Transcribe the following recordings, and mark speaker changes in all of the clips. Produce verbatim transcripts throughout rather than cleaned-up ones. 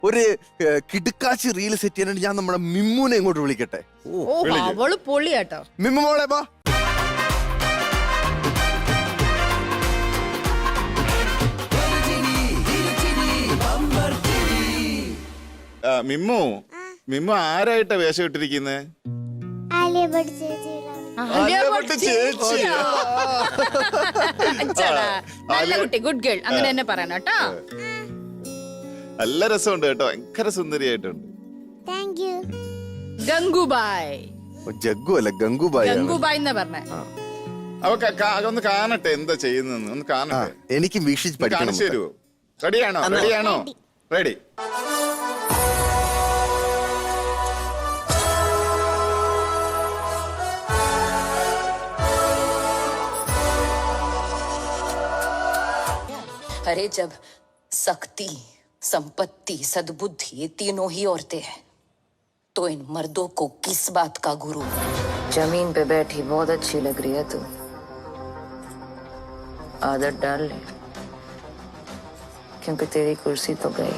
Speaker 1: ഒരു കിടുക്കാച്ചി reel set ചെയ്യാനായിട്ട് ഞാൻ നമ്മുടെ മിമ്മുനെ ഇങ്ങോട്ട് വിളിക്കട്ടെ.
Speaker 2: ഓ അവള് പൊളിയാട്ടോ.
Speaker 1: മിമ്മു മോളെ ബാ.
Speaker 3: മിമ്മു മിമ്മു ആരായിട്ടാ വേഷം ഇട്ടിരിക്കുന്നത്?
Speaker 2: നല്ല കുട്ടി, ഗുഡ് ഗേൾ, അങ്ങനെ തന്നെ പറയണം കേട്ടോ.
Speaker 3: നല്ല രസമുണ്ട് കേട്ടോ, ഭയങ്കര സുന്ദരിയായിട്ടുണ്ട്.
Speaker 2: ഗംഗുബായ്.
Speaker 1: ജഗ്ഗു അല്ല ഗംഗുബായ്.
Speaker 2: ഗംഗുബായ് എന്നാ പറഞ്ഞേ.
Speaker 3: അവ ഒന്ന് കാണട്ടെ എന്താ ചെയ്യുന്നെന്ന്, ഒന്ന് കാണട്ടെ.
Speaker 1: എനിക്ക് വീക്ഷിച്ച് പഠിക്കണം.
Speaker 3: കാണിച്ചു തരുമോ? റെഡിയാണോ? റെഡിയാണോ? റെഡി.
Speaker 4: अरे जब शक्ति, संपत्ति, सद्बुद्धि ये तीनों ही औरतें हैं तो इन मर्दों को किस बात का गुरु? जमीन पे बैठी बहुत अच्छी लग रही है तू, आदत डाल ले क्योंकि तेरी कुर्सी तो गई.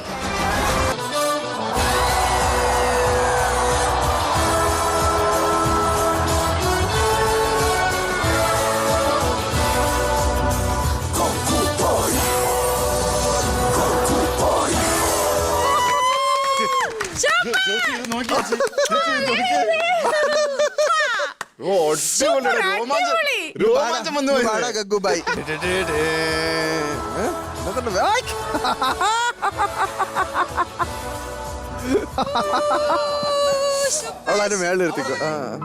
Speaker 3: രോമാഞ്ചം വന്നു.
Speaker 1: ഗംഗുബായ്. അവളാരും മേളിൽ നിർത്തിക്കോ.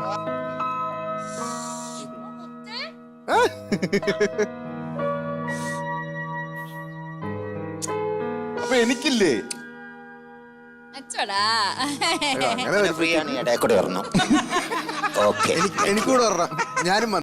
Speaker 3: അപ്പൊ എനിക്കില്ലേ
Speaker 1: എനിക്കൂടെ പറഞ്ഞ ഞാനും